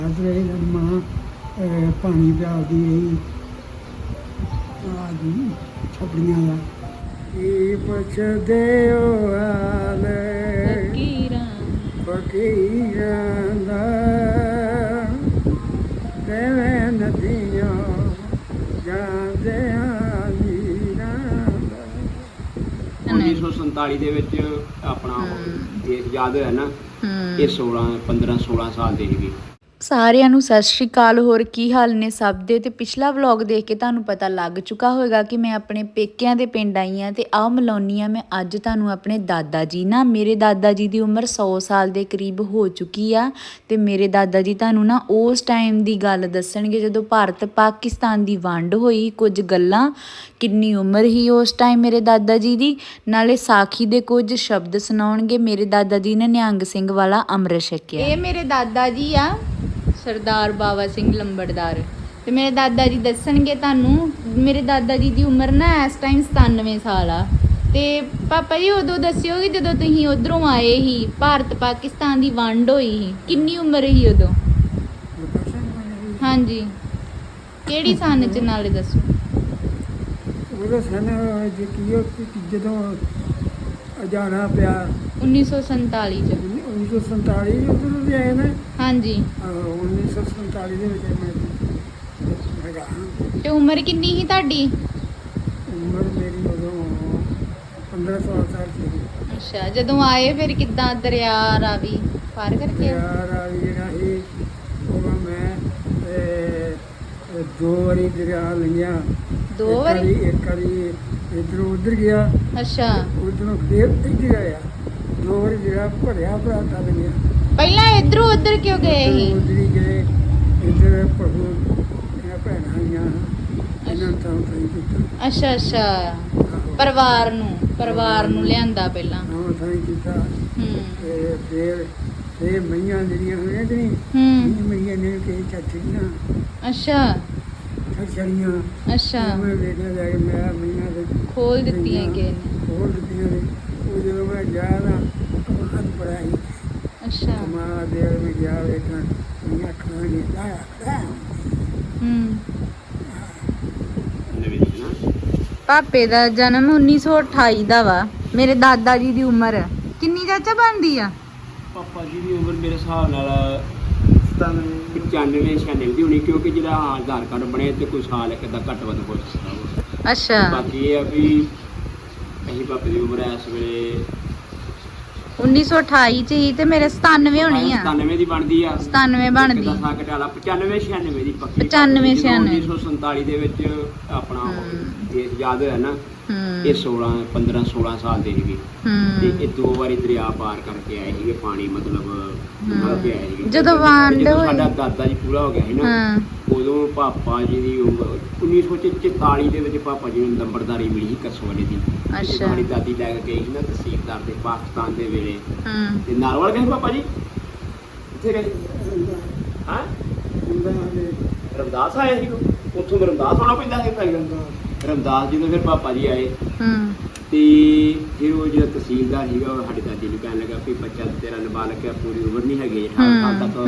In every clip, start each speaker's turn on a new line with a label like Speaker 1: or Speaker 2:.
Speaker 1: ਰਹੇ ਮਾਂ ਪਾਣੀ ਪਿਆਲਦੀ ਰਹੀ ਆਦੀ ਛਪੜੀਆਂ ਦਾ ਕੀ ਪੁੱਛਦੇ ਹੋ ਹਾਲ ਫਕੀਰਾਂ ਦਾ ਕਿਵੇਂ ਨਦੀਆਂ ਜਾਂਦੇ ਨੀਰਾਂ ਦਾ।
Speaker 2: 1947 ਦੇ ਵਿੱਚ ਆਪਣਾ ਦੇਸ਼ ਆਜ਼ਾਦ ਹੋਇਆ ਨਾ, ਇਹ 15-16 ਸਾਲ ਦੇ ਸੀਗੇ।
Speaker 3: ਸਾਰਿਆਂ ਨੂੰ ਸਤਿ ਸ਼੍ਰੀ ਅਕਾਲ। ਹੋਰ ਕੀ ਹਾਲ ਨੇ ਸਭ ਦੇ। ਤੇ ਪਿਛਲਾ ਵਲੌਗ ਦੇਖ ਕੇ ਤੁਹਾਨੂੰ ਪਤਾ ਲੱਗ ਚੁੱਕਾ ਹੋਵੇਗਾ ਕਿ ਮੈਂ ਆਪਣੇ ਪੇਕਿਆਂ ਦੇ ਪਿੰਡ ਆਈ ਹਾਂ ਤੇ ਆਹ ਮਿਲਾਉਣੀ ਆ ਮੈਂ ਅੱਜ ਤੁਹਾਨੂੰ ਆਪਣੇ ਦਾਦਾ ਜੀ ਨਾ। ਮੇਰੇ ਦਾਦਾ ਜੀ ਦੀ ਉਮਰ 100 ਸਾਲ ਦੇ ਕਰੀਬ ਹੋ ਚੁੱਕੀ ਆ ਤੇ ਮੇਰੇ ਦਾਦਾ ਜੀ ਤੁਹਾਨੂੰ ਨਾ ਉਸ ਟਾਈਮ ਦੀ ਗੱਲ ਦੱਸਣਗੇ ਜਦੋਂ ਭਾਰਤ ਪਾਕਿਸਤਾਨ ਦੀ ਵੰਡ ਹੋਈ। ਕੁਝ ਗੱਲਾਂ, ਕਿੰਨੀ ਉਮਰ ਸੀ ਉਸ ਟਾਈਮ ਮੇਰੇ ਦਾਦਾ ਜੀ ਦੀ, ਨਾਲੇ ਸਾਖੀ ਦੇ ਕੁਝ ਸ਼ਬਦ ਸੁਣਾਉਣਗੇ। ਮੇਰੇ ਦਾਦਾ ਜੀ ਨੇ ਨਿਹੰਗ ਸਿੰਘ ਵਾਲਾ ਅੰਮ੍ਰਿਤ ਛਕਿਆ। ਇਹ ਮੇਰੇ ਦਾਦਾ ਜੀ ਆ, ਸਰਦਾਰ ਬਾਬਾ ਸਿੰਘ ਲੰਬੜਦਾਰ। ਤੇ ਮੇਰੇ ਦਾਦਾ ਜੀ ਦੱਸਣਗੇ ਤੁਹਾਨੂੰ। ਮੇਰੇ ਦਾਦਾ ਜੀ ਦੀ ਉਮਰ ਨਾ ਇਸ ਟਾਈਮ 97 ਸਾਲ ਆ। ਤੇ ਪਾਪਾ ਜੀ ਉਦੋਂ ਦੱਸਿਓ ਕਿ ਜਦੋਂ ਤੁਸੀਂ ਉਧਰੋਂ ਆਏ ਸੀ, ਭਾਰਤ ਪਾਕਿਸਤਾਨ ਦੀ ਵੰਡ ਹੋਈ ਸੀ, ਕਿੰਨੀ ਉਮਰ ਸੀ ਉਦੋਂ? ਹਾਂਜੀ, ਕਿਹੜੀ ਸਨ ਚ ਨਾਲੇ ਦੱਸੋ।
Speaker 1: ਉਹਦਾ ਸਨ ਜਦੋਂ ਜਾਣਾ ਪਿਆ
Speaker 3: 1947 ਚ।
Speaker 1: 1947 ਉਧਰ ਵੀ ਆਏ ਨੇ।
Speaker 3: ਹਾਂਜੀ,
Speaker 1: 1947 ਦੇ ਵਿੱਚ ਮੈਂ ਹੈਗਾ।
Speaker 3: ਤੇ ਉਮਰ ਕਿੰਨੀ ਸੀ ਤੁਹਾਡੀ?
Speaker 1: ਉਮਰ ਮੇਰੀ ਉਦੋਂ 15-16 ਸਾਲ ਸੀ।
Speaker 3: ਅੱਛਾ, ਜਦੋਂ ਆਏ ਫਿਰ ਕਿੱਦਾਂ ਦਰਿਆ ਰਾਵੀ ਪਾਰ ਕਰਕੇ?
Speaker 1: ਯਾਰ ਆ ਜਿਹੜਾ ਸੀ ਉਹ ਮੈਂ ਦੋ ਵਾਰੀ ਦਰਿਆ ਲੰਘਿਆ।
Speaker 3: ਦੋ ਵਾਰੀ?
Speaker 1: ਇੱਕ ਵਾਰੀ ਇੱਧਰੋਂ ਉੱਧਰ ਗਿਆ,
Speaker 3: ਅੱਛਾ,
Speaker 1: ਉੱਧਰੋਂ ਫਿਰ ਇੱਧਰ ਆਇਆ। ਦੋ ਵਾਰੀ ਦਰਿਆ ਭਰਿਆ ਭਰਾ ਤਾਂ ਲੰਘਿਆ।
Speaker 3: ਪਹਿਲਾਂ ਇਧਰੋਂ ਉਧਰ ਕਿਉਂ ਗਏ ਸੀ?
Speaker 1: ਉੱਧਰ ਹੀ ਗਏ। ਇੱਧਰ ਪਸ਼ੂ ਦੀਆਂ ਭੈਣਾਂ ਆਈਆਂ, ਇਹਨਾਂ ਤਾਂ ਸਹੀ ਕੀਤਾ।
Speaker 3: ਅੱਛਾ ਅੱਛਾ, ਪਰਿਵਾਰ ਨੂੰ ਲਿਆਂਦਾ ਪਹਿਲਾਂ।
Speaker 1: ਹਾਂ ਸਹੀ ਕੀਤਾ।
Speaker 3: ਹੂੰ
Speaker 1: ਫਿਰ ਮਈਆਂ ਜਿਹੜੀਆਂ ਹੋਈਆਂ ਕਿ ਨਹੀਂ,
Speaker 3: ਹੂੰ,
Speaker 1: ਮਈਆਂ ਨੇ ਕਈ ਛੱਡੀਆਂ
Speaker 3: ਅੱਛਾ
Speaker 1: ਛੜੀਆਂ।
Speaker 3: ਅੱਛਾ,
Speaker 1: ਮੈਂ ਵੇਖਿਆ ਜਾ ਕੇ ਮੈਂ ਮਈਆਂ ਦੇ
Speaker 3: ਖੋਲ ਦਿੱਤੀਆਂ ਕਿ ਨੇ?
Speaker 1: ਖੋਲ ਦਿੱਤੀਆਂ ਨੇ। ਉਹ ਜਦੋਂ ਮੈਂ ਗਿਆ ਨਾ ਕਮਾਦ ਪੜਾਈ,
Speaker 3: ਅੱਛਾ,
Speaker 1: ਕਮਾਦ ਦੇ ਮੈਂ ਗਿਆ ਵੇਖਣ ਮਈਆਂ ਖਾਣੇ ਲਾਇਆ।
Speaker 3: ਹੂੰ। ਪਾਪੇ ਦਾ ਜਨਮ 1928 ਦਾ ਵਾ। ਮੇਰੇ ਦਾਦਾ ਜੀ ਦੀ ਉਮਰ ਕਿੰਨੀ ਚਾਚਾ ਬਣਦੀ ਆ?
Speaker 2: ਪਾਪਾ ਜੀ ਦੀ ਉਮਰ ਮੇਰੇ ਹਿਸਾਬ ਨਾਲ 95-96 ਦੀ ਹੋਣੀ, ਕਿਉਂਕਿ ਜਿਹੜਾ ਆਧਾਰ ਕਾਰਡ ਬਣਿਆ ਤੇ ਕੋਈ ਸਾਲ ਇੱਕ ਅੱਧਾ ਘੱਟ ਵੱਧ ਹੋ ਸਕਦਾ।
Speaker 3: ਅੱਛਾ,
Speaker 2: ਬਾਕੀ ਇਹ ਆ ਵੀ ਅਸੀਂ ਪਾਪੇ ਦੀ ਉਮਰ ਇਸ ਵੇਲੇ
Speaker 3: 1928 ਚ ਹੀ ਤੇ ਮੇਰੇ 97 ਹੋਣੀ ਆ।
Speaker 2: 97 ਦੀ ਬਣਦੀ ਆ।
Speaker 3: 97 ਬਣਦੀ।
Speaker 2: 95-96 ਦੀ ਪੱਕੀ।
Speaker 3: 95-96
Speaker 2: 1947 ਦੇ ਵਿੱਚ ਆਪਣਾ ਦੇਸ਼ ਆਜ਼ਾਦ ਹੋਇਆ ਨਾ, ਇਹ 15-16 ਸਾਲ ਦੇ ਸੀਗੇ। ਤੇ ਇਹ ਦੋ ਵਾਰੀ ਦਰਿਆ ਪਾਰ ਕਰਕੇ ਆਏ ਸੀਗੇ। ਪਾਣੀ ਮਤਲਬ ਲੰਘ ਕੇ ਆਏ ਸੀਗੇ।
Speaker 3: ਜਦੋਂ ਵੰਡ ਹੋਈ,
Speaker 2: ਸਾਡਾ ਦਾਦਾ ਜੀ ਪੂਰਾ ਹੋ ਗਿਆ ਸੀ ਨਾ, ਉਦੋਂ ਪਾਪਾ ਜੀ ਦੀ ਉਮਰ 1944 ਦੇ ਵਿੱਚ ਪਾਪਾ ਜੀ ਨੂੰ ਨੰਬਰਦਾਰੀ ਮਿਲੀ ਸੀ ਕਸਵਾਲੇ ਦੀ।
Speaker 3: ਅੱਛਾ,
Speaker 2: ਸਾਡੀ ਦਾਦੀ ਲੈ ਕੇ ਗਈ ਸੀ ਨਾ ਤਹਿਸੀਲਦਾਰ ਦੇ ਪਾਕਿਸਤਾਨ ਦੇ ਵੇਲੇ। ਤੇ ਨਾਰਵਲ ਗਏ ਪਾਪਾ ਜੀ? ਕਿੱਥੇ ਗਏ? ਹਾਂ, ਰਮਦਾਸ ਆਏ ਸੀ। ਉੱਥੋਂ ਰਮਦਾਸ ਆਉਣਾ ਪੈਂਦਾ ਸੀ ਭਾਈ। ਰਮਦਾਸ ਜਦੋਂ ਫਿਰ ਪਾਪਾ ਜੀ ਆਏ ਤੇ ਫਿਰ ਉਹ ਜਿਹੜਾ ਤਹਿਸੀਲਦਾਰ ਸੀਗਾ ਉਹ ਸਾਡੀ ਦਾਦੀ ਨੂੰ ਕਹਿਣ ਲੱਗਾ ਵੀ ਬੱਚਾ ਤੇਰਾ ਨਾਬਾਲਗ ਹੈ, ਪੂਰੀ ਉਮਰ ਨਹੀਂ ਹੈਗੀ, 18 ਸਾਲ ਤੱਕ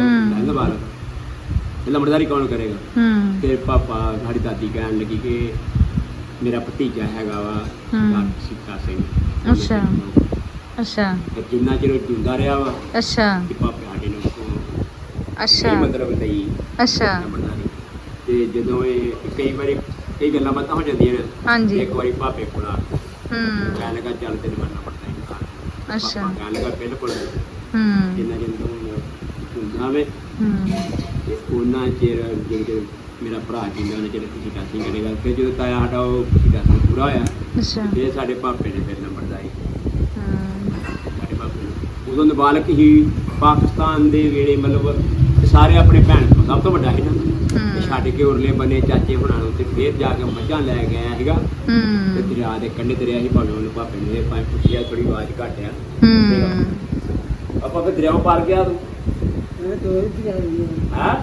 Speaker 2: ਨਾਬਾਲਗ, ਲੰਬੜਦਾਰੀ ਕੌਣ ਕਰੇਗਾ? ਫਿਰ ਪਾਪਾ ਸਾਡੀ ਦਾਦੀ ਕਹਿਣ ਲੱਗੀ ਕਿ ਮੇਰਾ ਭਤੀਜਾ ਹੈਗਾ ਵਾ ਸੀਤਾ ਸਿੰਘ।
Speaker 3: ਅੱਛਾ ਅੱਛਾ,
Speaker 2: ਜਿੰਨਾ ਚਿਰ ਜਿੰਦਾ ਰਿਹਾ ਵਾ
Speaker 3: ਅੱਛਾ,
Speaker 2: ਤੇ ਪਾਪੇ ਸਾਡੇ ਨੂੰ
Speaker 3: ਅੱਛਾ,
Speaker 2: ਮਤਲਬ ਲਈ
Speaker 3: ਅੱਛਾ।
Speaker 2: ਲੰਬੜਦਾਰੀ। ਤੇ ਜਦੋਂ ਇਹ ਕਈ ਵਾਰੀ ਕਈ ਗੱਲਾਂ ਬਾਤਾਂ ਹੋ ਜਾਂਦੀਆਂ ਨੇ।
Speaker 3: ਹਾਂਜੀ,
Speaker 2: ਇੱਕ ਵਾਰੀ ਭਾਪੇ ਕੋਲ ਆ ਕਹਿਣ ਲੱਗਾ ਚੱਲ ਤੈਨੂੰ ਮੰਨਣਾ ਪੜਦਾ ਹੈ।
Speaker 3: ਅੱਛਾ,
Speaker 2: ਕਹਿਣ ਲੱਗਾ ਬਿਲਕੁਲ ਜਿੰਨਾ ਚਿਰ ਹੁੰਦਾ ਵੇ ਉਹਨਾਂ ਚਿਰ ਜਿਹੜੇ ਮੇਰਾ ਭਰਾ ਜਿੰਨਾ ਉਹਨਾਂ ਚਿਰ ਤੁਸੀਂ ਟਾਸੀ ਕਰੇਗਾ। ਫਿਰ ਜਦੋਂ ਤਾਇਆ ਸਾਡਾ ਉਹ ਟਾਸੀ ਪੂਰਾ ਹੋਇਆ,
Speaker 3: ਅੱਛਾ,
Speaker 2: ਫਿਰ ਸਾਡੇ ਭਾਪੇ ਨੇ ਫਿਰ ਨੰਬਰਦਾਰੀ ਸਾਡੇ ਭਾਪੇ ਨੂੰ। ਉਦੋਂ ਨਾਬਾਲਗ ਹੀ ਪਾਕਿਸਤਾਨ ਦੇ ਵੇਲੇ, ਮਤਲਬ ਸਾਰੇ ਆਪਣੇ ਭੈਣ ਤੋਂ ਸਭ ਤੋਂ ਵੱਡਾ ਸੀ ਨਾ। ਛੱਡ ਕੇ ਉਰਲੇ ਬੰਨੇ ਚਾਚੇ ਹੁਣਾਂ ਨੂੰ ਤੇ ਫਿਰ ਜਾ ਕੇ ਮੱਝਾਂ ਲੈ ਕੇ ਆਇਆ ਸੀਗਾ। ਤੇ ਦਰਿਆ ਦੇ ਕੰਢੇ ਤੇ ਰਿਹਾ ਸੀ। ਭਾਵੇਂ ਉਹਨੂੰ ਭਾਪੇ ਨੇ ਭਾਵੇਂ ਪੁੱਛਿਆ, ਥੋੜੀ ਆਵਾਜ਼ ਘੱਟ ਆ। ਆਪਾਂ ਫਿਰ ਦਰਿਆਓਂ ਪਾਰ ਗਿਆ ਤੂੰ?
Speaker 1: ਮੈਂ ਦੋ ਵਾਰੀ
Speaker 2: ਹਾਂ,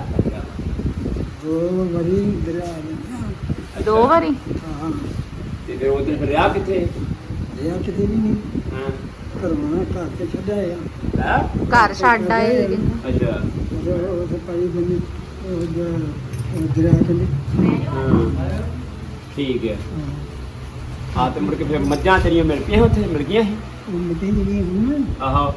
Speaker 1: ਦੋ ਵਾਰੀ ਦਰਿਆ।
Speaker 3: 2 ਵਾਰੀ?
Speaker 1: ਹਾਂ।
Speaker 2: ਤੇ ਫਿਰ ਉਧਰ ਫਿਰ ਰਿਹਾ ਕਿੱਥੇ?
Speaker 1: ਦਰਿਆ ਕਿਤੇ ਵੀ ਨਹੀਂ।
Speaker 2: ਹਾਂ,
Speaker 1: ਕਰਵਾਉਣਾ ਘਰ ਤੇ ਛੱਡਿਆ ਆ
Speaker 2: ਹੈ
Speaker 3: ਘਰ ਛੱਡ ਆਏ
Speaker 2: ਅੱਛਾ
Speaker 1: ਉਹ ਪਾਈ ਬੰਨੀ ਦਰਿਆ ਕੰਢੇ
Speaker 2: ਹਾਂ, ਠੀਕ ਹੈ। ਹਾਂ ਤੇ ਮੁੜ ਕੇ ਫਿਰ ਮੱਝਾਂ ਤੇਰੀਆਂ ਮਿਲ ਪਈਆਂ ਉੱਥੇ ਮਿਲ ਗਈਆਂ ਸੀ
Speaker 1: ਉਹ ਮਿੱਟੀ ਜਿਹੜੀ ਹੁਣ
Speaker 2: ਆਹੋ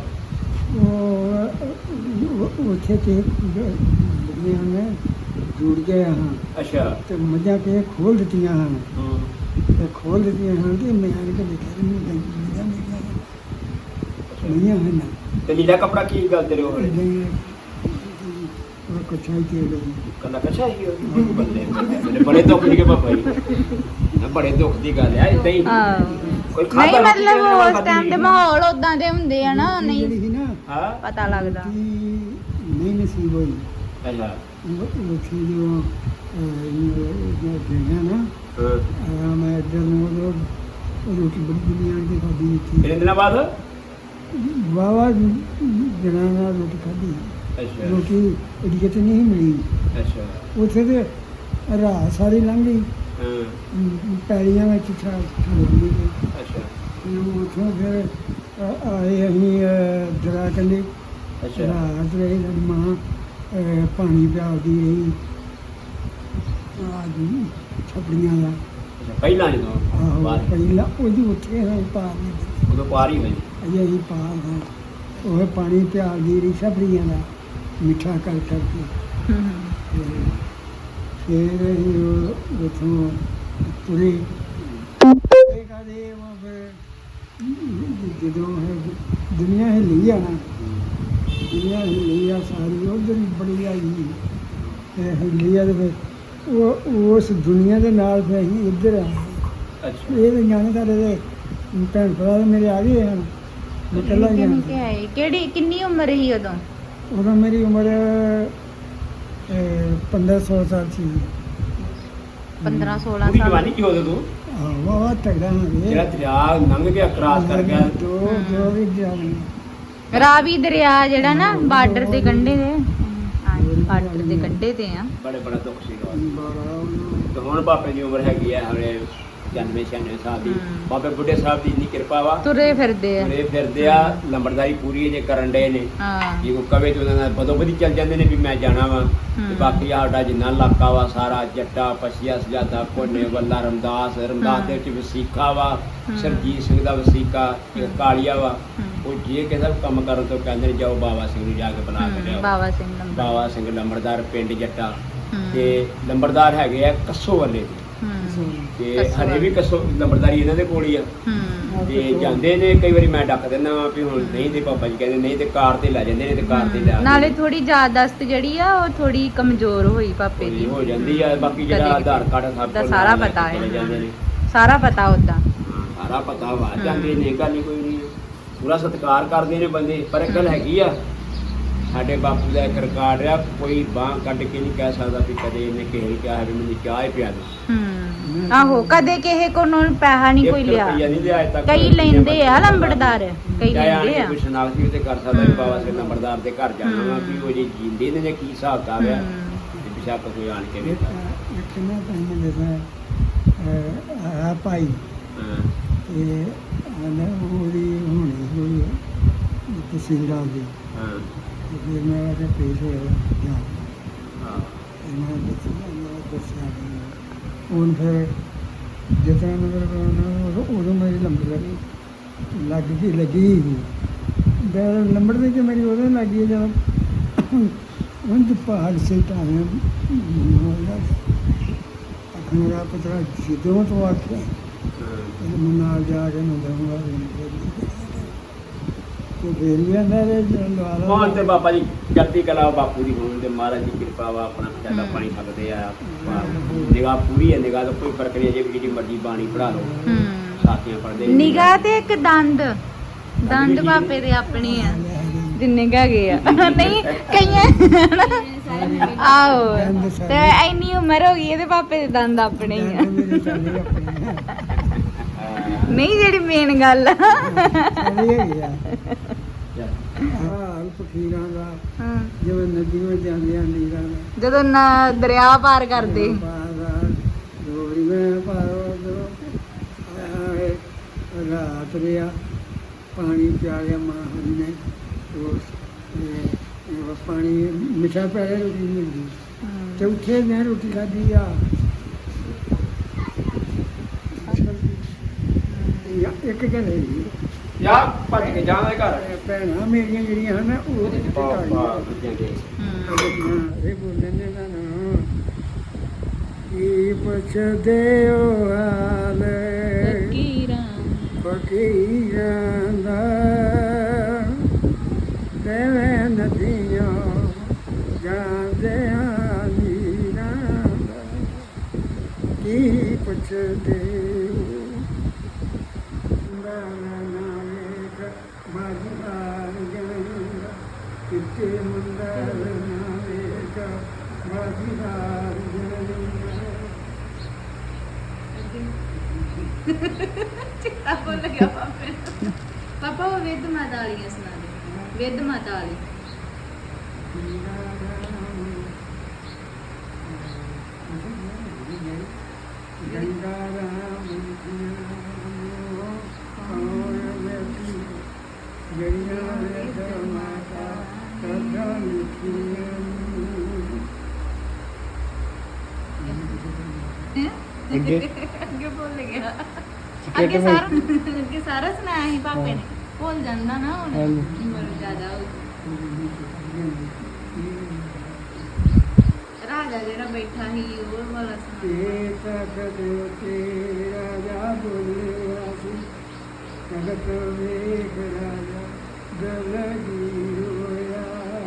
Speaker 1: ਉਹ ਉੱਥੇ ਤੇ ਜਿਹੜੀਆਂ ਨੇ ਜੁੜ ਗਏ ਹਾਂ
Speaker 2: ਅੱਛਾ
Speaker 1: ਤੇ ਮੱਝਾਂ ਕੇ ਖੋਲ ਦਿੱਤੀਆਂ ਹਨ
Speaker 2: ਹੂੰ
Speaker 1: ਤੇ ਖੋਲ ਦਿੱਤੀਆਂ ਹਨ ਤੇ ਮੈਂ ਆਣ ਕੇ ਦੇਖਿਆ ਨਹੀਂ ਨਹੀਂ ਹਨ
Speaker 2: ਤੇ ਨੀਲਾ ਕਪੜਾ ਕੀ ਗੱਲ ਤੇਰੇ ਉਹ
Speaker 1: ਉਹ ਕੁਛ ਆਈ ਤੇ
Speaker 2: ਕੱਲਾ ਕੱਛਾ ਹੀ ਉਹ ਬੰਦੇ ਮੇਰੇ ਬੜੇ ਦੁੱਖ ਦੀ ਕੇ ਪਾਪਾ ਜੀ ਨਾ ਬੜੇ ਦੁੱਖ ਦੀ ਗੱਲ ਹੈ ਇਦਾਂ ਹੀ ਕੋਈ
Speaker 3: ਨਹੀਂ
Speaker 2: ਖਾਧਾ
Speaker 3: ਮਤਲਬ
Speaker 2: ਰੋਟੀ
Speaker 3: ਉਸ ਟਾਈਮ ਤੇ ਮਾਹੌਲ ਉਦਾਂ ਦੇ ਹੁੰਦੇ ਆ ਨਾ ਨਹੀਂ
Speaker 1: ਜਿਹੜੀ ਸੀ ਨਾ
Speaker 2: ਹਾਂ
Speaker 3: ਪਤਾ ਲੱਗਦਾ
Speaker 1: ਨਹੀਂ ਨਸੀਬ ਹੋਈ
Speaker 2: ਅੱਛਾ
Speaker 1: ਉਹ ਸੀ ਜੋ ਦੇਖਿਆ ਨਾ
Speaker 2: ਹਾਂ
Speaker 1: ਮੈਂ ਇੱਧਰ ਨੂੰ ਉਹ ਰੋਟੀ ਬੜੀ ਦੁਨੀਆ ਦੀ ਖਾਦੀ
Speaker 2: ਕਿੰਨੇ ਦਿਨਾਂ ਬਾਅਦ
Speaker 1: ਵਾਵਾ ਜਨਾਨਾ ਰੋਟੀ ਖਾਦੀ
Speaker 2: ਅੱਛਾ
Speaker 1: ਰੋਟੀ ਇਹਦੀ ਕਿਤੇ ਨਹੀਂ ਮਿਲੀ
Speaker 2: ਅੱਛਾ
Speaker 1: ਉੱਥੇ ਤੇ ਰਾਤ ਸਾਰੀ ਲੰਘ ਗਈ
Speaker 2: ਹਾਂ
Speaker 1: ਪੈੜੀਆਂ ਵਿੱਚ ਛੱਡ
Speaker 2: ਅੱਛਾ
Speaker 1: ਉੱਥੋਂ ਫਿਰ ਆਏ ਅਸੀਂ ਦਰਿਆ ਕੰਢੇ
Speaker 2: ਅੱਛਾ
Speaker 1: ਰਾਤ ਰਹੀ ਸਾਡੀ ਮਾਂ ਪਾਣੀ ਪਿਆਉਂਦੀ ਰਹੀ ਛਪੜੀਆਂ ਦਾ
Speaker 2: ਅੱਛਾ ਪਹਿਲਾਂ ਜਦੋਂ
Speaker 1: ਆਹੋ
Speaker 2: ਬਾਅਦ
Speaker 1: ਪਹਿਲਾਂ ਉਹਦੀ ਉੱਥੇ ਹਾਂ ਪਾਰ ਨਹੀਂ
Speaker 2: ਉਦੋਂ ਪਾਰ ਹੀ ਹੋਈ
Speaker 1: ਅਜੇ ਅਸੀਂ ਪਾਰ ਹਾਂ ਉਹ ਪਾਣੀ ਪਿਆਉਂਦੀ ਰਹੀ ਛਪੜੀਆਂ ਦਾ ਮਿੱਠਾ ਕਰ ਕਰਕੇ ਫਿਰ ਅਸੀਂ ਉਹ ਉੱਥੋਂ ਤੁਰੇ ਕਦੇ ਉਹ ਫਿਰ ਜਦੋਂ ਦੁਨੀਆ ਹਿੱਲੀ ਆ ਨਾ ਦੁਨੀਆ ਹਿੱਲੀ ਆ ਸਾਰੀ ਉਧਰ ਹੀ ਬੜੀ ਆਈ ਤੇ ਹਿੱਲੀ ਆ ਤੇ ਫਿਰ ਉਹ ਉਸ ਦੁਨੀਆ ਦੇ ਨਾਲ ਫਿਰ ਅਸੀਂ ਇੱਧਰ ਆ
Speaker 2: ਅੱਛਾ
Speaker 1: ਇਹ ਤਾਂ ਜਾਣੇ ਸਾਡੇ ਦੇ ਭੈਣ ਭਰਾ ਮੇਰੇ ਆ ਗਏ ਹਨ ਮੈਂ ਇਕੱਲਾ ਹੀ
Speaker 3: ਕਿੰਨੀ
Speaker 1: ਗਿਆ
Speaker 3: ਹੈ ਕਿਹੜੀ ਕਿੰਨੀ ਉਮਰ ਸੀ ਉਦੋਂ
Speaker 1: ਉਦੋਂ ਮੇਰੀ ਉਮਰ 15-16 ਸਾਲ ਸੀ
Speaker 3: 15-16
Speaker 2: ਪੂਰੀ
Speaker 3: ਸਾਲ
Speaker 2: ਜਵਾਨੀ ਕੀ ਹੋਦੇ ਤੂੰ
Speaker 1: ਵਾਹ ਤਗੜਾ
Speaker 2: ਜਿਹੜਾ ਦਰਿਆ ਲੰਘ ਗਿਆ ਕ੍ਰਾਸ ਕਰ ਗਿਆ
Speaker 1: ਦੋ ਵੀ ਜਾਣੇ
Speaker 3: ਰਾਵੀ ਦਰਿਆ ਜਿਹੜਾ ਨਾ ਬਾਰਡਰ ਦੇ ਕੰਢੇ ਦੇ ਬਾਰਡਰ ਦੇ ਕੰਢੇ ਤੇ ਆ
Speaker 2: ਬੜਾ ਦੁੱਖ ਸੀਗਾ
Speaker 1: ਬੜਾ
Speaker 2: ਤੇ ਹੁਣ ਬਾਪੇ ਦੀ ਉਮਰ ਹੈਗੀ ਆ ਹਲੇ 96 ਸਾਲ ਦੀ ਬਾਬੇ ਬੁੱਢੇ ਸਾਹਿਬ ਦੀ ਇੰਨੀ ਕਿਰਪਾ ਵਾ
Speaker 3: ਤੁਰੇ ਫਿਰਦੇ ਆ
Speaker 2: ਤੁਰੇ ਫਿਰਦੇ ਆ ਲੰਬੜਦਾਰੀ ਪੂਰੀ ਜੇ ਕਰਨ ਡਏ ਨੇ
Speaker 3: ਹਾਂ
Speaker 2: ਜੇ ਕੋਈ ਕਵੇ ਤੇ ਉਹਨਾਂ ਨਾਲ ਬਦੋ ਬਦੀ ਚੱਲ ਜਾਂਦੇ ਨੇ ਵੀ ਮੈਂ ਜਾਣਾ ਵਾ ਤੇ ਬਾਕੀ ਸਾਡਾ ਜਿੰਨਾ ਇਲਾਕਾ ਵਾ ਸਾਰਾ ਜੱਟਾ ਪਛੀਆ ਸਜਾਦਾ ਕੋਨੇ ਵੱਲਾ ਰਮਦਾਸ ਦੇ ਵਿੱਚ ਵਸੀਕਾ ਵਾ ਸਰਜੀਤ ਸਿੰਘ ਦਾ ਵਸੀਕਾ ਇੱਕ ਕਾਲੀਆ ਵਾ ਉਹ ਜੇ ਕਿਸੇ ਦਾ ਕੰਮ ਕਰਨ ਤੋਂ ਕਹਿੰਦੇ ਨੇ ਜਾਓ ਬਾਬਾ ਸਿੰਘ ਨੂੰ ਜਾ ਕੇ ਬੁਲਾ ਕੇ ਲਿਆਓ
Speaker 3: ਬਾਬਾ ਸਿੰਘ ਲੰਬਾ
Speaker 2: ਬਾਬਾ ਸਿੰਘ ਲੰਬੜਦਾਰ ਪਿੰਡ ਜੱਟਾ ਤੇ ਲੰਬੜਦਾਰ ਹੈਗੇ ਆ ਕੱਸੋ ਵਾਲੇ ਤੇ ਹਰੇ ਵੀ ਕੱਸੋ ਲੰਬੜਦਾਰੀ ਇਹਨਾਂ ਦੇ ਕੋਲ ਹੀ ਆ ਤੇ ਜਾਂਦੇ ਨੇ ਕਈ ਵਾਰੀ ਮੈਂ ਡੱਕ ਦਿੰਦਾ ਵਾਂ ਵੀ ਹੁਣ ਨਹੀਂ ਤੇ ਪਾਪਾ ਜੀ ਕਹਿੰਦੇ ਨਹੀਂ ਤੇ ਕਾਰ ਤੇ ਲੈ ਜਾਂਦੇ ਨੇ ਤੇ ਕਾਰ ਤੇ ਲੈ
Speaker 3: ਨਾਲੇ ਥੋੜੀ ਯਾਦਦਾਸ਼ਤ ਜਿਹੜੀ ਆ ਉਹ ਥੋੜੀ ਕਮਜ਼ੋਰ ਹੋਈ ਪਾਪੇ ਦੀ
Speaker 2: ਹੋ ਜਾਂਦੀ ਆ ਬਾਕੀ ਜਿਹੜਾ ਆਧਾਰ ਕਾਰਡ ਸਭ
Speaker 3: ਦਾ
Speaker 2: ਕੋਲ
Speaker 3: ਸਾਰਾ
Speaker 2: ਲੈ ਕੇ
Speaker 3: ਪਤਾ ਹੈ।
Speaker 2: ਚਲੇ ਜਾਂਦੇ ਨੇ।
Speaker 3: ਸਾਰਾ ਪਤਾ ਉਦਾਂ
Speaker 2: ਸਾਰਾ ਪਤਾ ਵਾ ਜਾਂਦੇ ਨੇ ਗੱਲ ਨਹੀਂ ਕੋਈ ਨਹੀਂ ਪੂਰਾ ਸਤਿਕਾਰ ਕਰਦੇ ਨੇ ਬੰਦੇ ਪਰ ਇੱਕ ਗੱਲ ਹੈਗੀ ਆ ਸਾਡੇ ਬਾਪੂ ਦਾ ਇੱਕ ਰਿਕਾਰਡ ਆ ਕੋਈ ਬਾਂਹ ਕੱਢ ਕੇ ਨਹੀਂ ਕਹਿ ਸਕਦਾ ਵੀ ਕਦੇ ਇਹਨੇ ਕਿਸੇ ਨੂੰ ਕਿਹਾ ਵੀ ਮੈਨੂੰ ਚਾਹ ਹੀ ਪਿਆ ਦੇ
Speaker 3: ਆਹੋ ਕਦੇ ਕਿਸੇ ਕੋਲੋਂ ਪੈਸਾ ਨਹੀਂ ਕੋਈ ਲਿਆ
Speaker 2: ਰੁਪਈਆ ਨਹੀਂ ਲਿਆ ਅਜੇ ਤੱਕ
Speaker 3: ਕਈ ਲੈਂਦੇ ਆ ਲੰਬੜਦਾਰ ਕਈ ਲੈਂਦੇ ਆ
Speaker 2: ਕੋਈ ਸ਼ਨਾਖਤ ਵੀ ਤੇ ਕਰ ਸਕਦਾ ਵੀ ਬਾਬਾ ਸਿੰਘ ਲੰਬੜਦਾਰ ਦੇ ਘਰ ਜਾਣਾ ਵਾ ਵੀ ਉਹ ਜੇ ਜੀਂਦੇ ਨੇ ਜਾਂ ਕੀ ਹਿਸਾਬ ਕਿਤਾਬ ਆ ਤੇ ਬਿਸ਼ੱਕ ਕੋਈ ਆਣ ਕੇ ਵੇਖਦਾ
Speaker 1: ਕਿੰਨਾ ਟਾਈਮ ਦੇਦਾ ਆ ਭਾਈ
Speaker 2: ਹਾਂ
Speaker 1: ਤੇ ਉਹਦੀ ਹੋਣੀ ਤਹਿਸੀਲਦਾਰ ਦੀ
Speaker 2: ਹਾਂ
Speaker 1: ਤੇ ਫਿਰ ਮੈਂ ਆ ਕੇ ਪੇਸ਼ ਹੋਇਆ ਜਾਂ
Speaker 2: ਹਾਂ
Speaker 1: ਇਹਨਾਂ ਦੱਸਿਆ ਹੁਣ ਫਿਰ ਜਿਤਨਾ ਮਤਲਬ ਉਦੋਂ ਮੇਰੀ ਲੰਬੜਦਾਰੀ ਲੱਗੀ ਸੀ ਲੰਬੜਦਾਰੀ ਕਿ ਮੇਰੀ ਉਦੋਂ ਲੱਗੀ ਜਦੋਂ ਉਹ ਪਹਾੜ ਸੇ ਟਾਇਆ ਮੇਰਾ ਪੁੱਤਰਾ ਜਦੋਂ ਤੋਂ ਆਖਿਆ ਮੈਂ ਨਾਲ ਜਾ ਕੇ ਨਾ ਦਊਂਗਾ ਤੇ ਫੇਰ ਵੀ ਆਂਦਾ
Speaker 2: ਹੁਣ ਤੇ ਬਾਬਾ ਜੀ ਚੜ੍ਹਦੀ ਕਲਾ ਬਾਪੂ ਦੀ ਹੋਣ ਤੇ ਮਹਾਰਾਜ ਦੀ ਕਿਰਪਾ ਵਾ ਆਪਣਾ ਪਛਾਦਾ ਪਾਣੀ ਸਕਦੇ ਆ ਨਿਗਾਹ ਪੂਰੀ ਹੈ ਨਿਗਾਹ ਦਾ ਕੋਈ ਫਰਕ ਨਹੀਂ ਜੇ ਜਿਹੜੀ ਮਰਜ਼ੀ ਬਾਣੀ ਪੜਾ ਲਓ ਸਾਥੀਆਂ ਪੜਦੇ
Speaker 3: ਨਿਗਾਹ ਤੇ ਇੱਕ ਦੰਦ ਬਾਪੇ ਦੇ ਆਪਣੇ ਆ ਜਿੰਨੇ ਕਾ ਗਏ ਆ ਨਹੀਂ ਕਈਆਂ ਆਓ ਤੇ ਇੰਨੀ ਉਮਰ ਹੋ ਗਈ ਇਹਦੇ ਪਾਪੇ ਦੇ ਦੰਦ ਆਪਣੇ ਹੀ ਆ ਨਹੀਂ ਜਿਹੜੀ ਮੇਨ ਗੱਲ ਆ
Speaker 1: ਫਕੀਰਾਂ ਦਾ ਜਿਵੇਂ ਨਦੀਆਂ ਜਾਂਦੀਆਂ ਨੀਰਾਂ ਦਾ
Speaker 3: ਜਦੋਂ ਦਰਿਆ ਪਾਰ ਕਰਦੇ
Speaker 1: ਰਾਤ ਰਿਹਾ ਪਾਣੀ ਪਿਆ ਲਿਆ ਮਾਂ ਹਰੀ ਨੇ ਉਹ ਪਾਣੀ ਮਿੱਠਾ ਪਿਆ ਲਿਆ, ਰੋਟੀ ਨਹੀਂ ਮਿਲਦੀ। ਤੇ ਉੱਥੇ ਮੈਂ ਰੋਟੀ ਖਾਧੀ ਆ ਇੱਕ ਗੱਲ ਹੈ ਜੀ,
Speaker 2: ਯਾਰ ਭੱਜ ਕੇ ਜਾਣਾ ਘਰ
Speaker 1: ਭੈਣਾਂ ਮੇਰੀਆਂ ਜਿਹੜੀਆਂ ਹਨ ਉਹ ਤੇ ਕਿਤੇ ਘਰ
Speaker 2: ਬੱਚਿਆਂ ਦੇ
Speaker 1: ਇਹ ਬੋਲਦੇ ਨੇ ਨਾ ਕੀ ਪੁੱਛਦੇ ਹੋ ਹਾਲ ਫਕੀਰਾਂ ਦਾ ਦੇਵੇਂ ਨਦੀਆਂ ਜਾਂਦਿਆਂ ਨੀਰਾਂ ਦਾ ਕੀ ਪੁੱਛਦੇ ਹੋ ਕਿਤੇ ਮੰਦਰ ਨਾ ਵੇਖਾ ਬਾਜ਼ੀਦਾਰ
Speaker 3: ਚਿੱਟਾ ਬੋਲ ਗਿਆ ਪਾਪਾ ਉਹ ਵੇਦ ਮਾਤਾ ਵਾਲੀਆਂ ਸੁਣਾ ਦੇ, ਵੇਦ ਮਾਤਾ ਵਾਲੀ।
Speaker 1: ਗੰਗਾ ਰਾਮ ਜਿਹੜੀਆਂ ਵੇਦ ਮਾਤਾ ਕਰਦਾ ਲਿਖੀਆਂ
Speaker 3: ਅੱਗੇ ਭੁੱਲ ਗਿਆ। ਅੱਗੇ ਸਾਰਾ ਸੁਣਾਇਆ ਸੀ ਪਾਪੇ ਨੇ, ਭੁੱਲ ਜਾਂਦਾ ਨਾ ਹੁਣ ਉਮਰ ਜ਼ਿਆਦਾ ਹੋ ਰਾਜਾ ਜਿਹੜਾ ਬੈਠਾ ਸੀ ਉਹ ਵਾਲਾ
Speaker 1: ਇਹ ਤਖਤ ਤੇ ਰਾਜਾ ਬੋਲਿਆ ਸੀ ਤਖਤ ਵੇਖ ਰਾਜਾ ਗਲਗੀ ਹੋਇਆ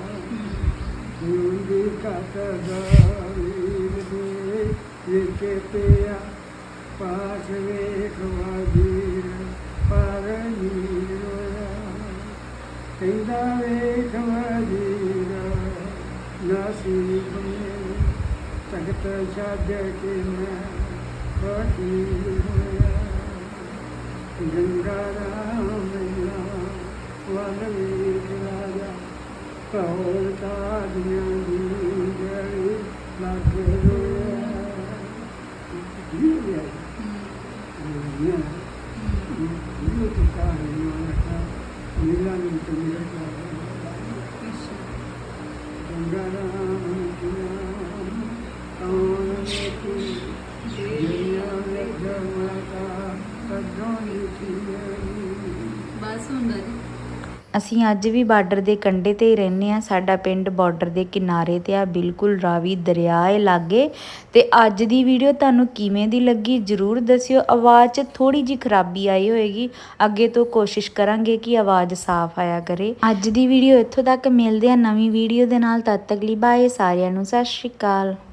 Speaker 1: ਹੁੰਦੀ ਕਤ ਗਾਵੀਰ ਦੇ ਵਿਖੇ ਪਿਆ ਪਾਸ ਵੇਖ ਵਾਜੀਰ ਪਰ ਨੀਰ ਹੋਇਆ ਕਹਿੰਦਾ ਵੇਖ ਵਾਜੀਰ ਨਾਸੀ ਬਣੇ ਤਖਤ ਛੱਡ ਕੇ ਮੈਂ ਫਕੀਰ ਹੋਇਆ ਗੰਗਾ ਰਾਮ ਵਨ ਵੇਖ ਰਾਜਾ ਕੌਲ ਕਾਦੀਆਂ ਦੀ ਗਲੀ ਲੱਗ ਰੋਇਆ ਇਹ ਕੀ ਕਹਾਣੀ ਹੈ ਨੀਲਾ ਨੀ ਤੁਮੇ ਗੰਗਾ ਰਾਮ ਕੌਣ ਵੇਖੀ ਜਿਹੜੀਆਂ ਵੇਖ ਮਾਤਾ ਕਦੋਂ ਲਿਖੀ
Speaker 3: ਬਸ ਹੁੰਦਾ ਜੀ। ਅਸੀਂ ਅੱਜ ਵੀ ਬਾਰਡਰ ਦੇ ਕੰਢੇ ਤੇ ਹੀ ਰਹਿੰਦੇ ਆ। ਸਾਡਾ ਪਿੰਡ ਬਾਰਡਰ ਦੇ ਕਿਨਾਰੇ ਤੇ ਆ, ਬਿਲਕੁਲ ਰਾਵੀ ਦਰਿਆ ਹੈ ਲਾਗੇ। ਤੇ ਅੱਜ ਦੀ ਵੀਡੀਓ ਤੁਹਾਨੂੰ ਕਿਵੇਂ ਦੀ ਲੱਗੀ ਜਰੂਰ ਦੱਸਿਓ। ਆਵਾਜ਼ 'ਚ ਥੋੜੀ ਜਿਹੀ ਖਰਾਬੀ ਆਈ ਹੋਏਗੀ, ਅੱਗੇ ਤੋਂ ਕੋਸ਼ਿਸ਼ ਕਰਾਂਗੇ ਕਿ ਆਵਾਜ਼ ਸਾਫ਼ ਆਇਆ ਕਰੇ। ਅੱਜ ਦੀ ਵੀਡੀਓ ਇੱਥੋਂ ਤੱਕ, ਮਿਲਦੇ ਆ ਨਵੀਂ ਵੀਡੀਓ ਦੇ ਨਾਲ। ਤਦ ਤੱਕ ਲਈ ਬਾਏ ਸਾਰਿਆਂ ਨੂੰ, ਸਤਿ ਸ਼੍ਰੀ ਅਕਾਲ।